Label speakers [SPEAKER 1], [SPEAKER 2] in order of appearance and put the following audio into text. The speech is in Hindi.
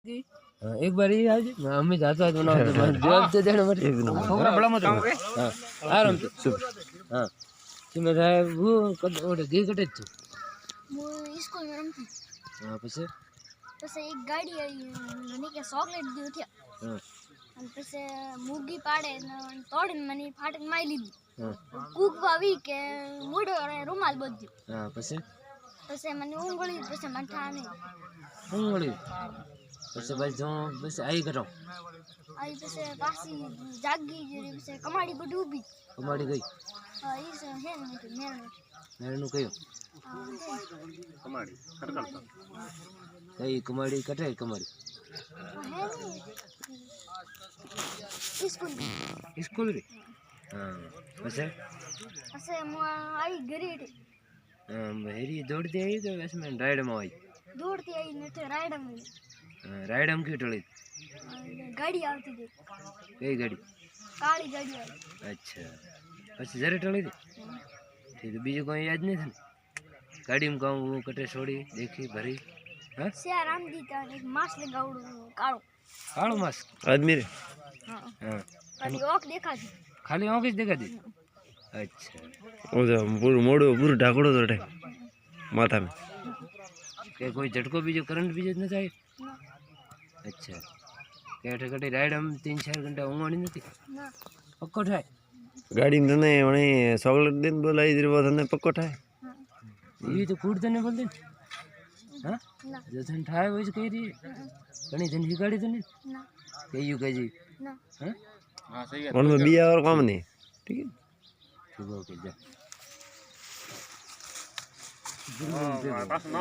[SPEAKER 1] एक बार ही आज हमें जाता है दोनों जवाब तो देना मत छोकरा बड़ा मत हां आराम से हां कि मैं वो ओडे गे कटे तू
[SPEAKER 2] वो स्कूल में रमती
[SPEAKER 1] हां પછી
[SPEAKER 2] एक गाड़ी आई મને કે ચોકલેટ દી ઉઠ્યા
[SPEAKER 1] हां
[SPEAKER 2] અને પછી મુગી પાડે ને તોડીને મને ફાટક મારી લીધી કૂક વાવી કે મોડો રૂમાલ બધ્યો
[SPEAKER 1] हां પછી
[SPEAKER 2] મને ઊંઘળી પછી મને ઠા નહીં
[SPEAKER 1] ઊંઘળી પછી ભાઈ જો બસ આઈ કરો
[SPEAKER 2] आई પછી પાછી જાગી જરી પછી કમાડી બડી ઊભી
[SPEAKER 1] કમાડી ગઈ
[SPEAKER 2] ઈ છે ને
[SPEAKER 1] મેરનું કયો કમાડી કટકડતા કઈ કમાડી કટે કમાડી
[SPEAKER 2] स्कूल
[SPEAKER 1] स्कूल रे हां પછી
[SPEAKER 2] आई घरे
[SPEAKER 1] हेरी दौड़ती आई तो बस मैं राइड में आई
[SPEAKER 2] दौड़ती आई ने तो राइड में
[SPEAKER 1] राइड हम क्यों टली
[SPEAKER 2] गाड़ी आती थी
[SPEAKER 1] कई गाड़ी
[SPEAKER 2] काली गाड़ी आई
[SPEAKER 1] अच्छा પછી જરે ટળી थी ठीक बीजू कोई याद नहीं था गाड़ी में कहूँ वो कटे छोड़ी देखी भरी हाँ
[SPEAKER 2] सिया राम जी का एक मास्क लगाउड़ कालो
[SPEAKER 1] कालो मास्क
[SPEAKER 3] आदमी रे
[SPEAKER 2] हां
[SPEAKER 1] हाँ
[SPEAKER 2] खाली आंख देखा थी
[SPEAKER 1] खाली आंख ही देखा थी अच्छा
[SPEAKER 3] ओ जो पूरा मोड़ो पूरा ढाकड़ो तो टे माथा में
[SPEAKER 1] के कोई झटको बीजो करंट बीजो न जाए
[SPEAKER 2] ना
[SPEAKER 1] अच्छा के कटे राइड हम 3-4 घंटा ऊँगवानी नहीं
[SPEAKER 2] ना
[SPEAKER 1] पक्को ठाए
[SPEAKER 3] गाड़ी में तने वणे चॉकलेट दिन बोलाई जरी वो तने पक्को ठाए
[SPEAKER 1] ये तो कूद देने बोलते हाँ
[SPEAKER 2] ना
[SPEAKER 1] जो थन ठाए वही कह रही कहीं धन ही गाड़ी तो नहीं
[SPEAKER 2] ना
[SPEAKER 1] कहियो कह जी
[SPEAKER 2] ना
[SPEAKER 1] हाँ हाँ सही है
[SPEAKER 3] उनमें बिया और काम नहीं ठीक है
[SPEAKER 1] ठीक है ओके जा